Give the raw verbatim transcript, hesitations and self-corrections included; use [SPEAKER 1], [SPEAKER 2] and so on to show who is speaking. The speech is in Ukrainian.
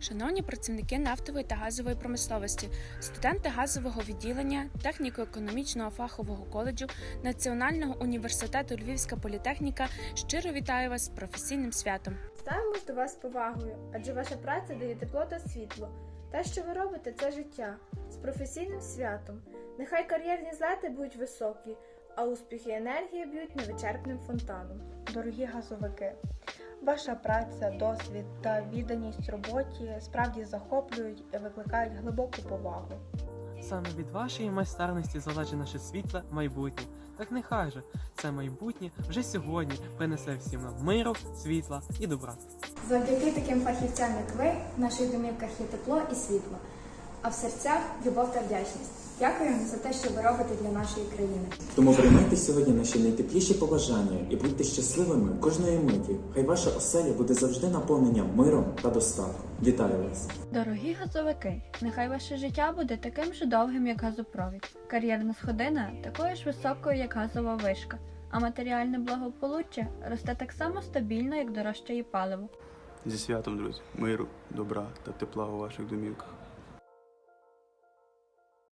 [SPEAKER 1] Шановні працівники нафтової та газової промисловості, студенти газового відділення Техніко-економічного фахового коледжу Національного університету Львівська політехніка щиро вітаю вас з професійним святом.
[SPEAKER 2] Ставимось до вас з повагою, адже ваша праця дає тепло та світло. Те, що ви робите, це життя. З професійним святом. Нехай кар'єрні злети будуть високі, а успіхи і енергія б'ють невичерпним фонтаном.
[SPEAKER 3] Дорогі газовики, ваша праця, досвід та відданість роботі справді захоплюють і викликають глибоку повагу.
[SPEAKER 4] Саме від вашої майстерності залежить наше світле майбутнє. Так нехай же це майбутнє вже сьогодні принесе всім нам миру, світла і добра.
[SPEAKER 5] Завдяки таким фахівцям, як ви, в наших домівках є тепло і світло, а в серцях любов та вдячність. Дякуємо за те, що ви робите для нашої країни.
[SPEAKER 6] Тому приймайте сьогодні наші найтепліші побажання і будьте щасливими кожної миті. Хай ваша оселя буде завжди наповнена миром та достатком. Вітаю вас!
[SPEAKER 7] Дорогі газовики, нехай ваше життя буде таким же довгим, як газопровід. Кар'єрна сходина такою ж високою, як газова вишка, а матеріальне благополуччя росте так само стабільно, як дорожчає паливо.
[SPEAKER 8] Зі святом, друзі, миру, добра та тепла у ваших домівках.